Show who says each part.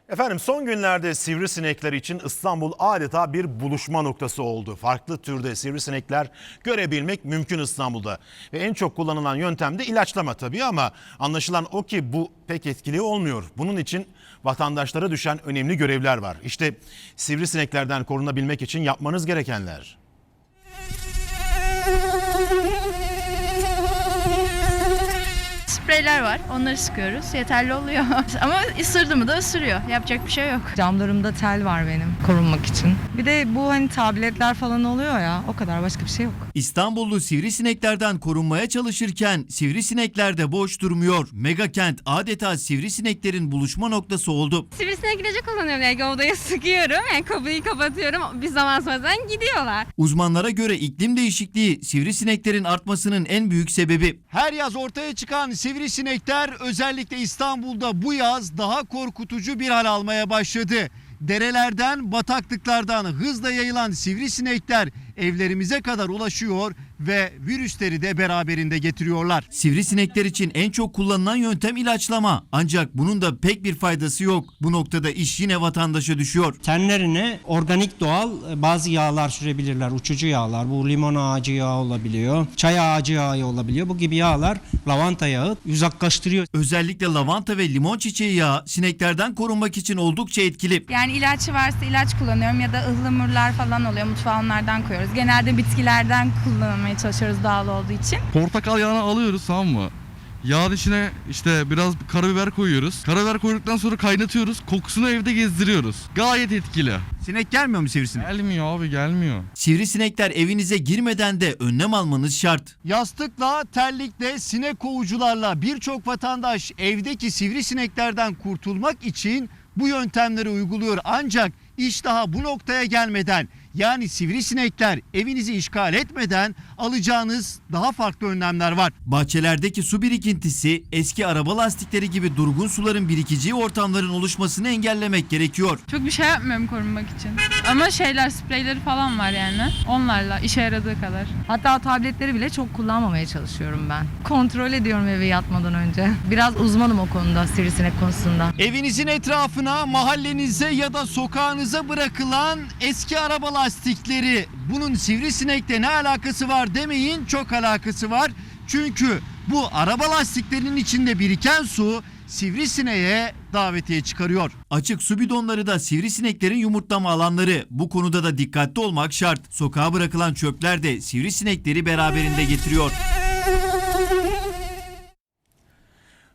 Speaker 1: Efendim son günlerde sivrisinekler için İstanbul adeta bir buluşma noktası oldu. Farklı türde sivrisinekler görebilmek mümkün İstanbul'da. Ve en çok kullanılan yöntem de ilaçlama tabii ama anlaşılan o ki bu pek etkili olmuyor. Bunun için vatandaşlara düşen önemli görevler var. İşte sivrisineklerden korunabilmek için yapmanız gerekenler.
Speaker 2: Spreyler var, onları sıkıyoruz. Yeterli oluyor. Ama ısırdı mı da ısırıyor. Yapacak bir şey yok.
Speaker 3: Camlarımda tel var benim korunmak için. Bir de bu hani tabletler falan oluyor ya, o kadar, başka bir şey yok.
Speaker 4: İstanbullu sivrisineklerden korunmaya çalışırken sivrisinekler de boş durmuyor. Megakent adeta sivrisineklerin buluşma noktası oldu.
Speaker 5: Sivrisinek ilacı kullanıyorum. Yani odaya sıkıyorum. Yani kapıyı kapatıyorum. Bir zaman sonra gidiyorlar.
Speaker 4: Uzmanlara göre iklim değişikliği sivrisineklerin artmasının en büyük sebebi.
Speaker 6: Her yaz ortaya çıkan sivrisinekler özellikle İstanbul'da bu yaz daha korkutucu bir hal almaya başladı. Derelerden, bataklıklardan hızla yayılan sivrisinekler evlerimize kadar ulaşıyor ve virüsleri de beraberinde getiriyorlar.
Speaker 4: Sivrisinekler için en çok kullanılan yöntem ilaçlama. Ancak bunun da pek bir faydası yok. Bu noktada iş yine vatandaşa düşüyor.
Speaker 7: Tenlerine organik doğal bazı yağlar sürebilirler. Uçucu yağlar. Bu limon ağacı yağı olabiliyor. Çay ağacı yağı olabiliyor. Bu gibi yağlar lavanta yağı uzaklaştırıyor.
Speaker 4: Özellikle lavanta ve limon çiçeği yağı sineklerden korunmak için oldukça etkili.
Speaker 8: Yani ilaç varsa ilaç kullanıyorum ya da ıhlamurlar falan oluyor. Mutfağa onlardan koyuyoruz. Genelde bitkilerden kullanmaya çalışıyoruz doğal olduğu için.
Speaker 9: Portakal yağını alıyoruz, tamam mı? Yağın içine işte biraz karabiber koyuyoruz. Karabiber koyduktan sonra kaynatıyoruz. Kokusunu evde gezdiriyoruz. Gayet etkili.
Speaker 6: Sinek gelmiyor mu sivrisinek?
Speaker 9: Gelmiyor abi, gelmiyor.
Speaker 4: Sivrisinekler evinize girmeden de önlem almanız şart.
Speaker 6: Yastıkla, terlikle, sinek kovucularla birçok vatandaş evdeki sivrisineklerden kurtulmak için bu yöntemleri uyguluyor. Ancak iş daha bu noktaya gelmeden, yani sivrisinekler evinizi işgal etmeden alacağınız daha farklı önlemler var.
Speaker 4: Bahçelerdeki su birikintisi, eski araba lastikleri gibi durgun suların birikeceği ortamların oluşmasını engellemek gerekiyor.
Speaker 2: Çok bir şey yapmıyorum korunmak için. Ama spreyleri falan var yani. Onlarla işe yaradığı kadar.
Speaker 3: Hatta tabletleri bile çok kullanmamaya çalışıyorum ben. Kontrol ediyorum eve yatmadan önce. Biraz uzmanım o konuda, sivrisinek konusunda.
Speaker 6: Evinizin etrafına, mahallenize ya da sokağınıza bırakılan eski araba lastikleri, bunun sivrisinekle ne alakası var demeyin, çok alakası var. Çünkü bu araba lastiklerinin içinde biriken su sivrisineğe davetiye çıkarıyor.
Speaker 4: Açık su bidonları da sivrisineklerin yumurtlama alanları. Bu konuda da dikkatli olmak şart. Sokağa bırakılan çöpler de sivrisinekleri beraberinde getiriyor.